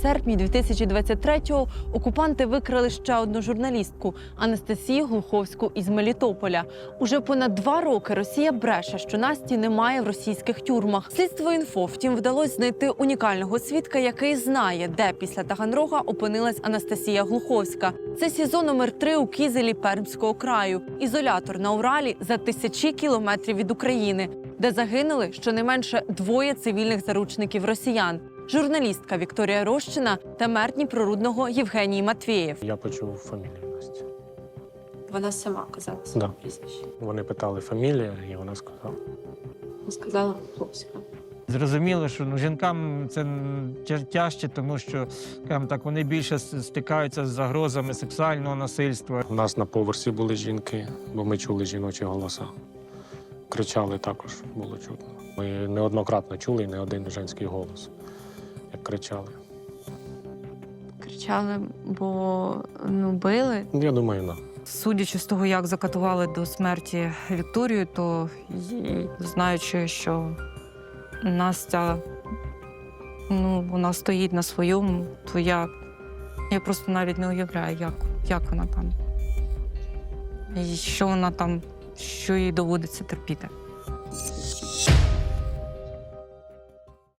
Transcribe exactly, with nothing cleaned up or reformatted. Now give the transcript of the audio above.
серпні дві тисячі двадцять третього окупанти викрали ще одну журналістку – Анастасію Глуховську із Мелітополя. Уже понад два роки Росія бреше, що Насті немає в російських тюрмах. Слідство інфо, втім, вдалося знайти унікального свідка, який знає, де після Таганрога опинилась Анастасія Глуховська. Це СІЗО номер три у Кізелі Пермського краю. Ізолятор на Уралі за тисячі кілометрів від України, де загинули щонайменше двоє цивільних заручників росіян – журналістка Вікторія Рощина та мер Дніпрорудного Євгеній Матвєєв. Я почув фамілію Насті. Вона сама казала своє Да. прізвище. Вони питали фамілію, і вона сказала. Сказала Глуховська. Зрозуміло, що ну, жінкам це тя- тяжче, тому що, скажімо так, вони більше с- стикаються з загрозами сексуального насильства. У нас на поверсі були жінки, бо ми чули жіночі голоса. Кричали також, було чутно. Ми неоднократно чули і не один женський голос, як кричали. Кричали, бо ну, били. Я думаю, на. Судячи з того, як закатували до смерті Вікторію, то й- знаючи, що Настя, ну, вона стоїть на своєму, то я, я просто навіть не уявляю, як, як вона там. І що вона там, що їй доводиться терпіти.